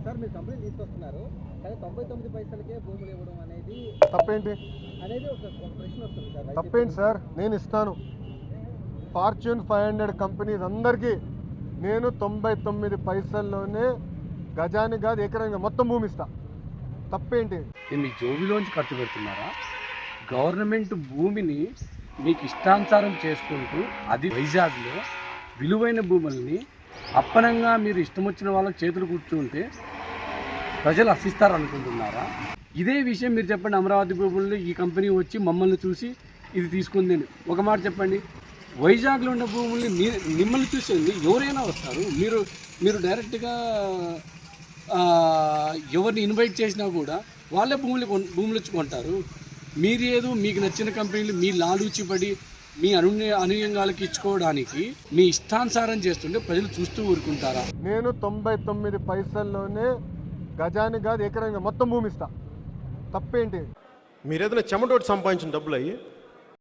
Sir మీరు company తీసుకొస్తున్నారు కానీ 99 పైసలకే భూములు ఇవ్వడం అనేది తప్పేంటి ఒక ప్రశ్న వస్తుంది సార్. తప్పేంటి సార్? నేను ఇస్తాను. ఫార్చ్యూన్ 500 కంపెనీస్ అందరికీ నేను 99 పైసల్లోనే గజానికి కాదు ఎకరానికి మొత్తం భూమి ఇస్తా. తప్పేంటి? మీ జోబిలోంచి ఖర్చు పెడుతున్నారా? గవర్నమెంట్ భూమిని మీకు ఇష్టానుసారం చేసుకుంటూ అది వైజాగ్లో విలువైన భూముల్ని అప్పనంగా మీరు ఇష్టం వచ్చిన వాళ్ళకి చేతులు కూర్చుంటే ప్రజలు హర్షిస్తారు అనుకుంటున్నారా? ఇదే విషయం మీరు చెప్పండి. అమరావతి భూముల్లో ఈ కంపెనీ వచ్చి మమ్మల్ని చూసి ఇది తీసుకుంది అని ఒక మాట చెప్పండి. వైజాగ్లో ఉన్న భూముల్ని మిమ్మల్ని చూసేది ఎవరైనా వస్తారు. మీరు డైరెక్ట్గా ఎవరిని ఇన్వైట్ చేసినా కూడా వాళ్ళే భూములు వచ్చి కొంటారు. మీరు ఏదో మీకు నచ్చిన కంపెనీలు మీ లాలూచిపడి మీ అనుయంగాలకు ఇచ్చుకోవడానికి మీ ఇష్టానుసారం చేస్తుంటే ప్రజలు చూస్తూ ఊరుకుంటారా? నేను 99 పైసల్లోనే గజానికి కాదు ఎకరానికి మొత్తం భూమి ఇస్తా. తప్పేంటి? మీరు ఏదైనా చెమటోటి సంపాదించిన డబ్బులు అయ్యి